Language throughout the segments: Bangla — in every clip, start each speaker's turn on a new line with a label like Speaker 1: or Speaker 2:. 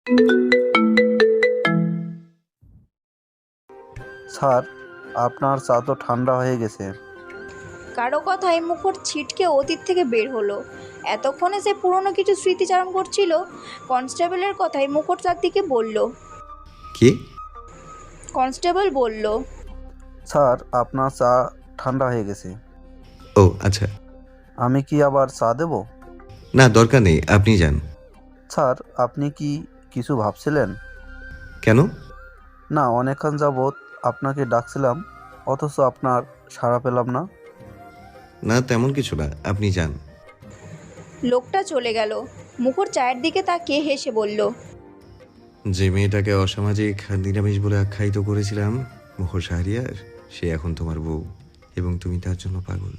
Speaker 1: স্যার, আপনার চা তো ঠান্ডা হয়ে গেছে।
Speaker 2: কারো কথায় মুখর ছিটকে অতীত থেকে বের হলো। এতক্ষণে সে পুরনো কিছু স্মৃতিচারণ করছিল। কনস্টেবলের কথায় মুখর তার দিকে বলল।
Speaker 3: কি?
Speaker 2: কনস্টেবল বলল,
Speaker 1: স্যার, আপনার চা ঠান্ডা হয়ে গেছে।
Speaker 3: ও আচ্ছা।
Speaker 1: আমি কি আবার চা দেব?
Speaker 3: না, দরকার নেই, আপনি যান।
Speaker 1: স্যার, আপনি কি কিছু ভাবছিলেন?
Speaker 3: কেন?
Speaker 1: না, অনেকক্ষণ যাবৎ আপনাকে ডাকছিলাম, অথচ আপনার সাড়া পেলাম না।
Speaker 3: না, তেমন কিছু না, আপনি যান।
Speaker 2: লোকটা চলে গেল। মুখর চায়ের দিকে তাকিয়ে হেসে বলল,
Speaker 3: যে মেয়েটাকে অসামাজিক আর নিরামিষ বলে আখ্যায়িত করেছিলাম, মুখর শাহরিয়ার, সে এখন তোমার বউ, এবং তুমি তার জন্য পাগল।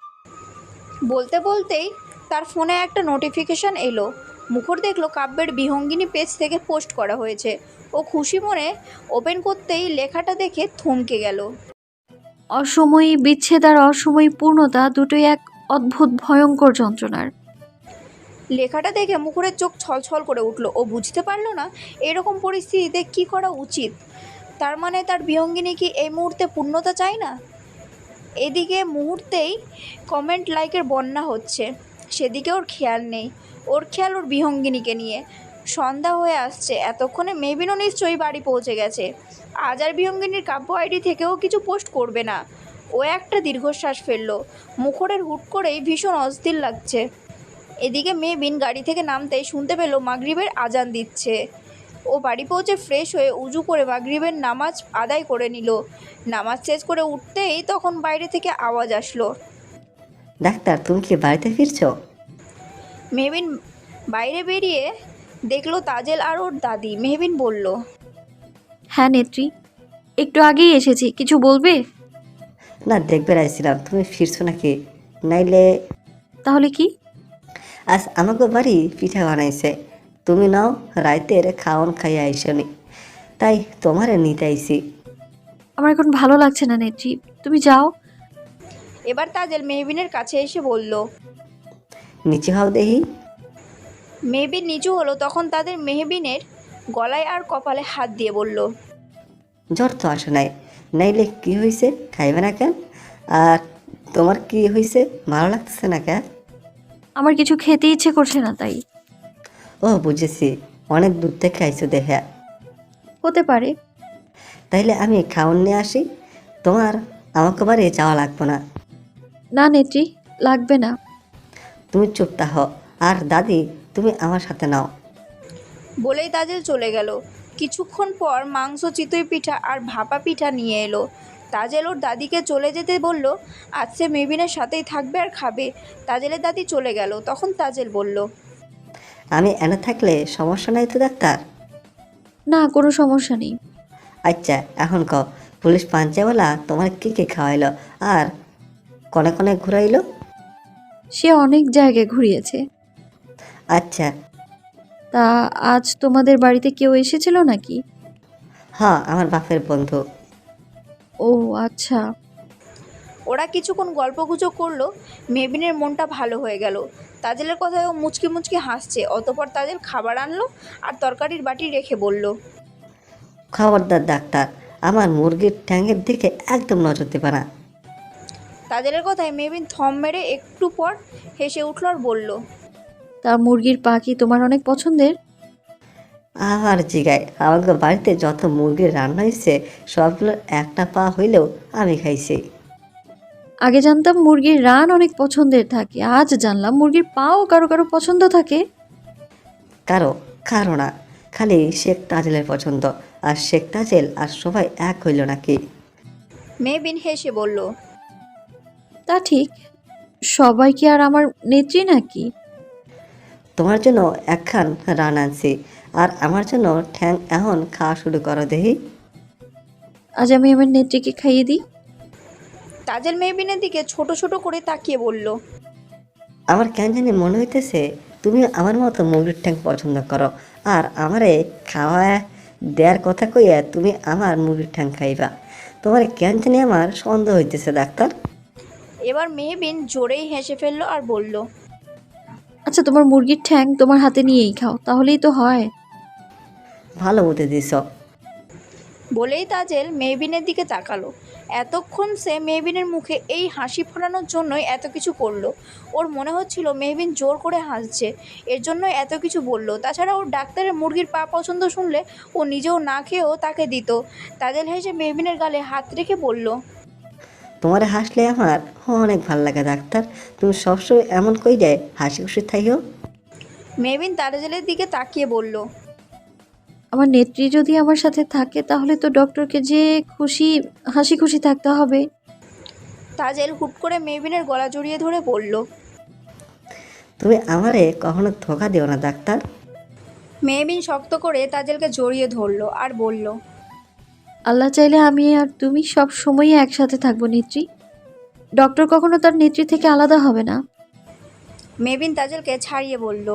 Speaker 2: বলতে বলতেই তার ফোনে একটা নোটিফিকেশন এলো। মুখর দেখলো কাব্যের বিহঙ্গিনী পেজ থেকে পোস্ট করা হয়েছে। ও খুশি মনে ওপেন করতেই লেখাটা দেখে থমকে গেল।
Speaker 4: অসময়ী বিচ্ছেদ আর অসময়ী পূর্ণতা দুটোই এক অদ্ভুত ভয়ঙ্কর যন্ত্রণার।
Speaker 2: লেখাটা দেখে মুখরের চোখ ছলছল করে উঠল। ও বুঝতে পারল না এরকম পরিস্থিতিতে কি করা উচিত। তার মানে তার বিহঙ্গিনী কি এই মুহূর্তে পূর্ণতা চায় না? এদিকে মুহূর্তেই কমেন্ট লাইকের বন্যা হচ্ছে, সেদিকে ওর খেয়াল নেই। ওর খেয়াল ওর বিহঙ্গিনীকে নিয়ে। সন্ধ্যা হয়ে আসছে, এতক্ষণে মেবিনও নিশ্চয়ই বাড়ি পৌঁছে গেছে। আজ আর বিহঙ্গিনীর কাব্য আইডি থেকেও কিছু পোস্ট করবে না। ও একটা দীর্ঘশ্বাস ফেলল। মুখরের হুট করেই ভীষণ অস্থির লাগছে। এদিকে মেবিন গাড়ি থেকে নামতেই শুনতে পেল মাগরিবের আজান দিচ্ছে। ও বাড়ি পৌঁছে ফ্রেশ হয়ে উজু করে মাগরিবের নামাজ আদায় করে নিল। নামাজ শেষ করে উঠতেই তখন বাইরে থেকে আওয়াজ আসলো।
Speaker 5: ডাক্তার, তুমি কি বাড়িতে ফিরছো?
Speaker 2: মেহবিন বাইরে বেরিয়ে দেখলো তাজেল আর ওর দাদি। মেহবিন বলল,
Speaker 4: হ্যাঁ নেত্রী, একটু আগেই এসেছি, কিছু বলবে?
Speaker 5: না, দেখবে রাইছিলাম তুমি ফিরছো নাকি। নাইলে
Speaker 4: তাহলে কি?
Speaker 5: আজ আমাকে বাড়ি পিঠা বানাইছে, তুমি নাও রাইতের খাওয়ান খাইয়া আইসনি, তাই তোমারে নিতে আইছি।
Speaker 4: আমার এখন ভালো লাগছে না নেত্রী, তুমি যাও।
Speaker 2: এবার তাজেল মেহবিনের কাছে এসে বলল।
Speaker 5: নিচে হও দেখি।
Speaker 2: মেহবিন নিচু হলো, তখন তাদের মেহবিনের গলায় আর কপালে হাত দিয়ে বলল,
Speaker 5: জ্বর তো আসে নাই, নাইলে কি হয়েছে খাইবে না কেন? আর তোমার কি হয়েছে, ভালো লাগতেছে না কেন?
Speaker 4: আমার কিছু খেতে ইচ্ছে করছে না তাই।
Speaker 5: ও বুঝেছি, অনেক দূর থেকে আইছো দেখে।
Speaker 4: হতে পারে।
Speaker 5: তাইলে আমি খাওয়ান নিয়ে আসি, তোমার আমাকে বাড়ি যাওয়া লাগবে না।
Speaker 4: না নেত্রী, লাগবে না।
Speaker 5: তুমি চুপ থাকো, আর দাদি তুমি আমার সাথে নাও।
Speaker 2: বলেই তাজেল চলে গেল। কিছুক্ষণ পর মাংস, চিতই পিঠা আর ভাপা পিঠা নিয়ে এলো। তাজেল ওর দাদিকে চলে যেতে বলল। আজ সে মেহবিনের সাথেই থাকবে আর খাবে। তাজেলের দাদি চলে গেল। তখন তাজেল বলল,
Speaker 5: আমি এনে থাকলে সমস্যা নাই তো ডাক্তার?
Speaker 4: না, কোনো সমস্যা নেই।
Speaker 5: আচ্ছা, এখন কও, পুলিশ পাঞ্চাওয়ালা তোমার কি কি খাওয়াইলো আর কনে কনে ঘুরাইলো?
Speaker 4: সে অনেক জায়গায় ঘুরিয়েছে।
Speaker 5: আচ্ছা।
Speaker 4: তা আজ তোমাদের বাড়িতে কেউ এসেছিল নাকি?
Speaker 5: হ্যাঁ, আমার বাপের বন্ধু।
Speaker 4: ও আচ্ছা।
Speaker 2: ওরা কিছুক্ষণ গল্পগুজব করলো। মেহবিনের মনটা ভালো হয়ে গেল। তাজেলের কথায় ও মুচকি মুচকি হাসছে। অতপর তাজেল খাবার আনলো আর তরকারির বাটি রেখে বলল,
Speaker 5: খবরদার ডাক্তার, আমার মুরগির ঠ্যাঙের দিকে একদম নজর দেবে না।
Speaker 2: তাজেলের কথায় মেহবিন থম মেরে একটু পর হেসে উঠল আর বলল,
Speaker 4: তা মুরগির পা কি তোমার অনেক পছন্দের?
Speaker 5: আবার জিগায়, আমাকে বাড়িতে যত মুরগির রান্না হয়েছে সবগুলোর একটা পা হইলেও আমি খাইছি।
Speaker 4: আগে জানতাম মুরগির রান অনেক পছন্দের থাকে, আজ জানলাম মুরগির পাও কারো কারো পছন্দ থাকে।
Speaker 5: কারো কারো না, খালি শেখ তাজেলের পছন্দ। আর শেখ তাজেল আর সবাই এক হইল নাকি?
Speaker 2: মেহবিন হেসে বলল,
Speaker 4: তা ঠিক, সবাই কি আর আমার নেত্রী নাকি?
Speaker 5: তোমার জন্য একখান রান আনছি, আর আমার জন্য ঠ্যাং এখন খাওয়া শুরু করো দেখি।
Speaker 4: আজ আমি আমার নেত্রীকে খাইয়ে দিই।
Speaker 2: তাজেল মেহবিনের দিকে ছোট ছোট করে তাকিয়ে বলল,
Speaker 5: আমার কেন জানি মনে হইতেছে তুমি আমার মতো মুরগির ঠ্যাং পছন্দ করো, আর আমারে খাওয়া দেওয়ার কথা কইয়া তুমি আমার মুরগির ঠ্যাং খাইবা। তোমার কেন জানি আমার সন্দেহ হইতেছে ডাক্তার।
Speaker 2: এবার মেহবিন জোরেই হেসে ফেললো আর বলল,
Speaker 4: আচ্ছা, তোমার মুরগির ঠ্যাং তোমার হাতে নিয়েই খাও, তাহলেই তো হয়।
Speaker 5: ভালো বুদ্ধি দিছ।
Speaker 2: বলেই তাজেল মেহবিনের দিকে তাকালো। এতক্ষণ সে মেহবিনের মুখে এই হাসি ফোটানোর জন্যই এত কিছু করলো। ওর মনে হচ্ছিল মেহবিন জোর করে হাসছে, এর জন্যই এত কিছু বলল। তাছাড়া ওর ডাক্তারের মুরগির পা পছন্দ শুনলে ও নিজেও না খেয়েও তাকে দিত। তাজেল হেসে মেহবিনের গালে হাত রেখে বলল,
Speaker 5: তোমার হাসলে আমার অনেক ভাল লাগে ডাক্তার। তুমি সবসময় এমন কই যায় হাসি খুশি থাইও।
Speaker 2: মেহবিন তাজেলের দিকে তাকিয়ে বলল,
Speaker 4: আমার নেত্রী যদি আমার সাথে থাকে তাহলে তো ডক্টরকে যে খুশি হাসি খুশি থাকতে হবে।
Speaker 2: তাজেল হুট করে মেহবিনের গলা জড়িয়ে ধরে বলল।
Speaker 5: তুমি আমারে কখনো ধোকা দিও না ডাক্তার।
Speaker 2: মেহবিন শক্ত করে তাজেলকে জড়িয়ে ধরলো আর বলল,
Speaker 4: আল্লাহ চাইলে আমি আর তুমি সব সময়ই একসাথে থাকবো নেত্রী। ডক্টর কখনো তার নেত্রী থেকে আলাদা হবে না।
Speaker 2: মেহবিন তাজেলকে ছাড়িয়ে বলল,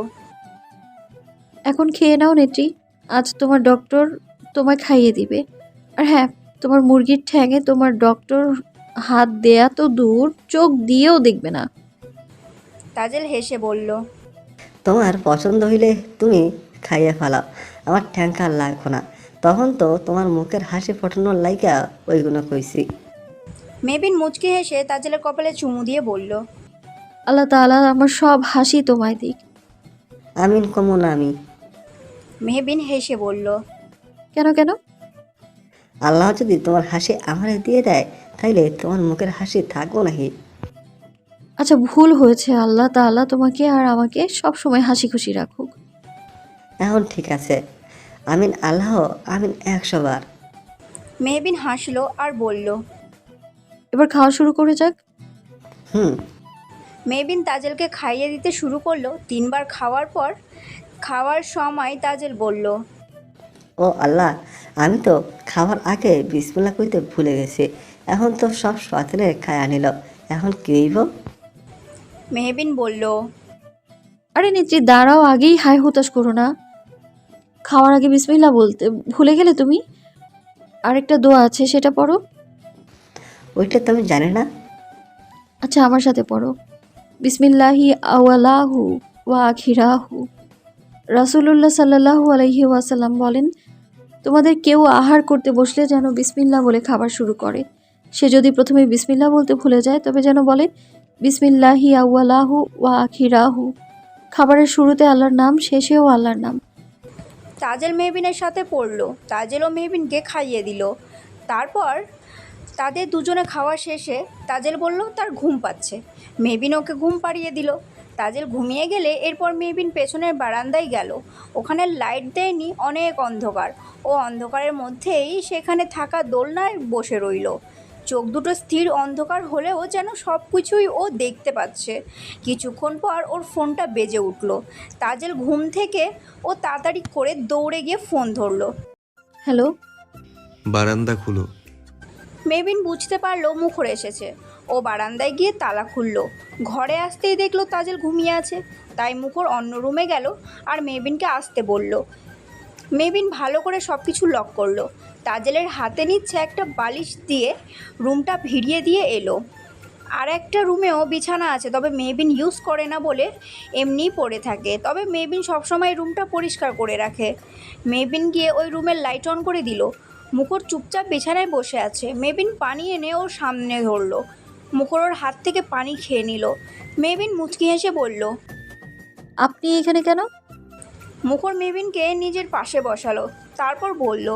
Speaker 4: এখন খেয়ে নাও নেত্রী, আজ তোমার ডক্টর তোমায় খাইয়ে দিবে। আর হ্যাঁ, তোমার মুরগির ঠ্যাঙে তোমার ডক্টর হাত দেয়া তো দূর, চোখ দিয়েও দেখবে না।
Speaker 2: তাজেল হেসে বলল,
Speaker 5: তোমার পছন্দ হইলে তুমি খাইয়ে ফেলাও, আমার ঠ্যাঙ্কার লাগবো না। তখন তো তোমার মুখের হাসি ফোটানোর লাইগা ওইগুলো কইছি।
Speaker 2: মেহবিন মুচকি হেসে তাজেলের কপালে চুমু দিয়ে বলল,
Speaker 4: আল্লাহ তাআলা আমার সব হাসি তোমায় দিক।
Speaker 5: আমিন কমন আমি।
Speaker 2: মেহবিন হেসে বলল,
Speaker 4: কেন কেন?
Speaker 5: আল্লাহ যদি তোমার হাসি আমারে দিয়ে দেয় তাইলে তোমার মুখের হাসি থাকবো নাকি?
Speaker 4: আচ্ছা, ভুল হয়েছে। আল্লাহ তাআলা তোমাকে আর আমাকে সব সময় হাসি খুশি রাখুক।
Speaker 5: এখন ঠিক আছে। আমিন আল্লাহ, আমিন 100 বার।
Speaker 2: মেহবিন হাসলো আর বলল,
Speaker 4: এবার খাওয়া শুরু করে যাক।
Speaker 5: হুম।
Speaker 2: মেহবিন তাজেলকে খাইয়ে দিতে শুরু করলো। 3 বার খাওয়ার পর খাওয়ার সময় তাজেল বলল,
Speaker 5: ও আল্লাহ, আমি তো খাওয়ার আগে বিসমিল্লাহ কইতে ভুলে গেছি। এখন তো সব সতেলে খায় আনিল, এখন কি হইব?
Speaker 2: মেহবিন বলল,
Speaker 4: আরে নেত্রী দাঁড়াও, আগেই হাই হুতাশ করো না। খাওয়ার আগে বিসমিল্লাহ বলতে ভুলে গেলে তুমি। আরেকটা দোয়া আছে, সেটা পড়ো।
Speaker 5: ওইটা তো আমি জানি না।
Speaker 4: আচ্ছা, আমার সাথে পড়ো। বিসমিল্লাহি আওয়ালাহু ওয়া আখিরাহু। রাসূলুল্লাহ সাল্লাল্লাহু আলাইহি ওয়াসাল্লাম বলেন, তোমাদের কেউ আহার করতে বসলে যেন বিসমিল্লাহ বলে খাবার শুরু করে। সে যদি প্রথমে বিসমিল্লাহ বলতে ভুলে যায় তবে যেন বলে বিসমিল্লাহি আউয়ালাহু ওয়া আখিরাহু। খাবারের শুরুতে আল্লাহর নাম, শেষেও আল্লাহর নাম।
Speaker 2: তাজেল মেহবিনের সাথে পড়লো। তাজেল ও মেহবিনকে খাইয়ে দিল। তারপর তাদের দুজনে খাওয়া শেষে তাজেল বলল তার ঘুম পাচ্ছে। মেহবিন ওকে ঘুম পাড়িয়ে দিল। তাজেল ঘুমিয়ে গেলে এরপর মেহবিন পেছনের বারান্দায় গেল। ওখানে লাইট দেয়নি, অনেক অন্ধকার। ও অন্ধকারের মধ্যেই সেখানে থাকা দোলনায় বসে রইল। চোখ দুটো স্থির, অন্ধকার হলেও যেন সব কিছুই ও দেখতে পাচ্ছে। কিছুক্ষণ পর ওর ফোনটা বেজে উঠল। তাজেল ঘুম থেকে ও তাড়াতাড়ি করে দৌড়ে গিয়ে ফোন ধরলো।
Speaker 4: হ্যালো।
Speaker 3: বারান্দা খুলো।
Speaker 2: মেহবিন বুঝতে পারলো মুখর এসেছে। ও বারান্দায় গিয়ে তালা খুললো। ঘরে আসতেই দেখলো তাজেল ঘুমিয়ে আছে। তাই মুখর অন্য রুমে গেল আর মেহবিনকে আসতে বলল। মেহবিন ভালো করে সব কিছু লক করলো। তাজেলের হাতে নিচ্ছে একটা বালিশ দিয়ে রুমটা ভিড়িয়ে দিয়ে এলো। আর একটা রুমেও বিছানা আছে, তবে মেহবিন ইউজ করে না বলে এমনিই পড়ে থাকে। তবে মেহবিন সবসময় রুমটা পরিষ্কার করে রাখে। মেহবিন গিয়ে ওই রুমের লাইট অন করে দিল। মুখর চুপচাপ বিছানায় বসে আছে। মেহবিন পানি এনে ওর সামনে ধরলো। মুখর ওর হাত থেকে পানি খেয়ে নিল। মেহবিন মুচকি হেসে বলল,
Speaker 4: আপনি এখানে কেন?
Speaker 2: মুখর মেহবিনকে নিজের পাশে বসালো। তারপর বলল,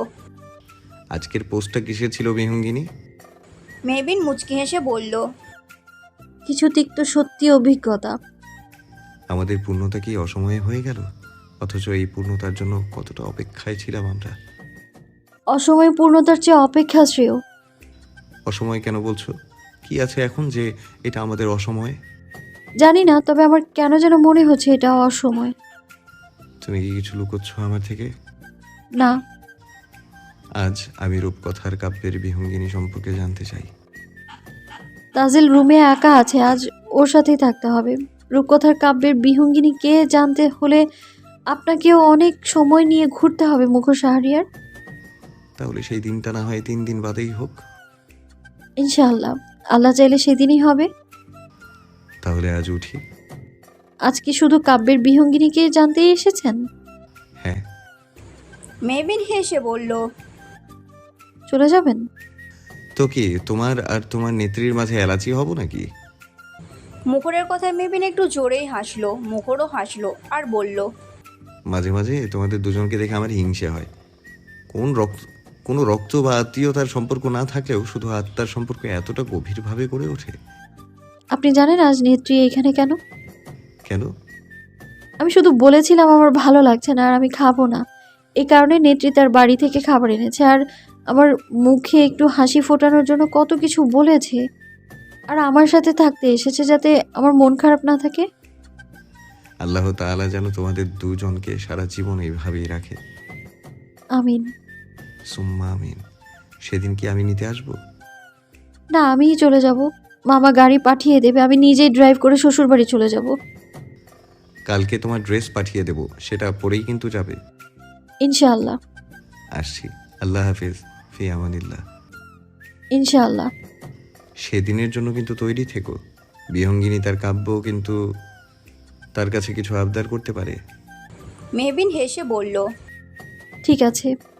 Speaker 3: আজকের পোস্টটা কিসের ছিল বিহঙ্গিনী?
Speaker 2: মেহবিন মুচকি হেসে বলল,
Speaker 4: কিছু তিক্ত সত্যি অভিজ্ঞতা।
Speaker 3: আমাদের পূর্ণতা কি অসময়ে হয়ে গেল? অথচ এই পূর্ণতার জন্য কতটা অপেক্ষায় ছিলাম আমরা।
Speaker 4: অসময় পূর্ণতার চেয়ে অপেক্ষা শ্রেয়।
Speaker 3: অসময় কেন বলছো? কি আছে এখন যে এটা আমাদের অসময়?
Speaker 4: জানি না, তবে আমার কেন যেন মনে হচ্ছে এটা অসময়।
Speaker 3: তুমি কি কিছু লুকোচ্ছ আমার থেকে?
Speaker 4: না।
Speaker 3: আজ আমি রূপকথার কাব্যের বিহঙ্গিনী সম্পর্কে জানতে চাই।
Speaker 4: তাজেল রুমে একা আছে, আজ ওর সাথেই থাকতে হবে। রূপকথার কাব্যের বিহঙ্গিনী কে জানতে হলে আপনাকেও অনেক সময় নিয়ে ঘুরতে হবে মুখর শাহরিয়ার।
Speaker 3: তাহলে সেই দিনটা না হয় 3 দিন বাদেই হোক।
Speaker 4: ইনশাআল্লাহ, আল্লাহ চাইলে সেদিনই হবে।
Speaker 3: তাহলে আজ উঠি।
Speaker 4: আজ কি শুধু কাব্যের বিহঙ্গিনীকে জানতেই এসেছেন?
Speaker 3: হ্যাঁ।
Speaker 2: মেহবিন হেসে বলল,
Speaker 4: চলে যাবেন?
Speaker 3: তো কি তোমার আর তোমার নেত্রীর মাঝে এলাচি হব নাকি?
Speaker 2: মুখরের কথায় মেহবিন একটু জোরেই হাসলো। মুখরও হাসলো আর বলল,
Speaker 3: মাঝে মাঝে তোমাদের দুজনকে দেখে আমার হিংসে হয়। কোনো রক্ত বা আত্মীয়তার সম্পর্ক না থাকলেও শুধু আত্মার সম্পর্ক এতটা গভীরভাবে গড়ে ওঠে।
Speaker 4: আপনি জানেন আজ নেত্রী এখানে কেন?
Speaker 3: কেন?
Speaker 4: আমি শুধু বলেছিলাম আমার ভালো লাগছে না আর আমি খাবো না। এই কারণে নেত্রী তার বাড়ি থেকে খাবার এনেছে আর আমার মুখে একটু হাসি ফোটানোর জন্য কত কিছু বলেছে। আর আমার সাথে থাকতে এসেছে যাতে আমার মন খারাপ না থাকে।
Speaker 3: আল্লাহ তাআলা যেন তোমাদের দুজনকে সারা জীবন এইভাবেই রাখে।
Speaker 4: আমিন।
Speaker 3: সুম্মা আমিন। সেদিন কি আমি নিতে আসবো?
Speaker 4: না, আমিই চলে যাব। মামা গাড়ি পাঠিয়ে দেবে, আমি নিজেই ড্রাইভ করে শ্বশুরবাড়ি চলে যাব।
Speaker 3: কালকে তোমার ড্রেস পাঠিয়ে দেব, সেটা পরেই কিন্তু যাবে।
Speaker 4: ইনশাআল্লাহ।
Speaker 3: আসছি। আল্লাহ হাফিজ। ফি আমানিল্লাহ।
Speaker 4: ইনশাআল্লাহ।
Speaker 3: সেদিনের জন্য কিন্তু তৈরি থেকো। বিহঙ্গিনী তার কাব্য কিন্তু তার কাছে কিছু আবদার করতে পারে।
Speaker 2: মেহবিন হেসে বলল,
Speaker 4: ঠিক আছে।